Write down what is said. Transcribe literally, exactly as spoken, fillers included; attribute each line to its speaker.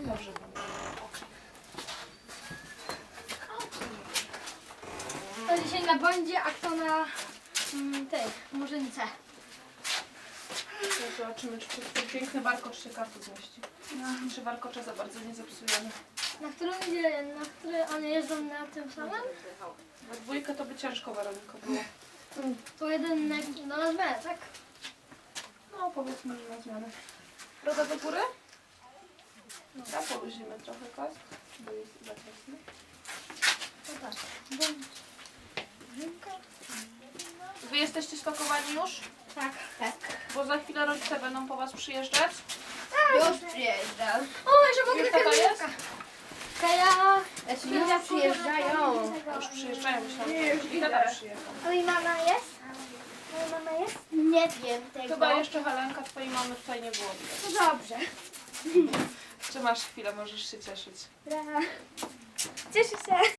Speaker 1: Dobrze będzie.
Speaker 2: To dzisiaj na bądzie, a kto na mm, tej murzynce.
Speaker 1: Zobaczymy, czy ten piękny warkocz się kartu zmieści. Czy warkocze za bardzo nie zepsujemy.
Speaker 2: Na którym idzie, na który one jeżdżą na tym samym?
Speaker 1: We dwójkę to by ciężko, Weroniko, było.
Speaker 2: To jeden na, no na zmianę, tak?
Speaker 1: No, powiedzmy, że na zmianę. Broda do góry? Dobra, poluzimy trochę kask, bo jest za ciasny.
Speaker 2: To tak. Bądź. Murzynka.
Speaker 1: Wy jesteście spakowani już?
Speaker 2: Tak. Tak.
Speaker 1: Bo za chwilę rodzice będą po was przyjeżdżać.
Speaker 3: Już przyjeżdżam.
Speaker 2: O, jeszcze mogę
Speaker 1: Już
Speaker 2: takie
Speaker 1: tata jest?
Speaker 2: Kaja.
Speaker 3: Znaczy ludzie przyjeżdżają.
Speaker 1: Już przyjeżdżają, myślałam, że i tata przyjechał.
Speaker 2: A i mama jest? Moja mama jest? Nie wiem tego.
Speaker 1: Chyba jeszcze Helenka, twojej mamy tutaj nie było widać.
Speaker 2: To dobrze.
Speaker 1: Czy masz chwilę, możesz się cieszyć.
Speaker 2: Cieszę się.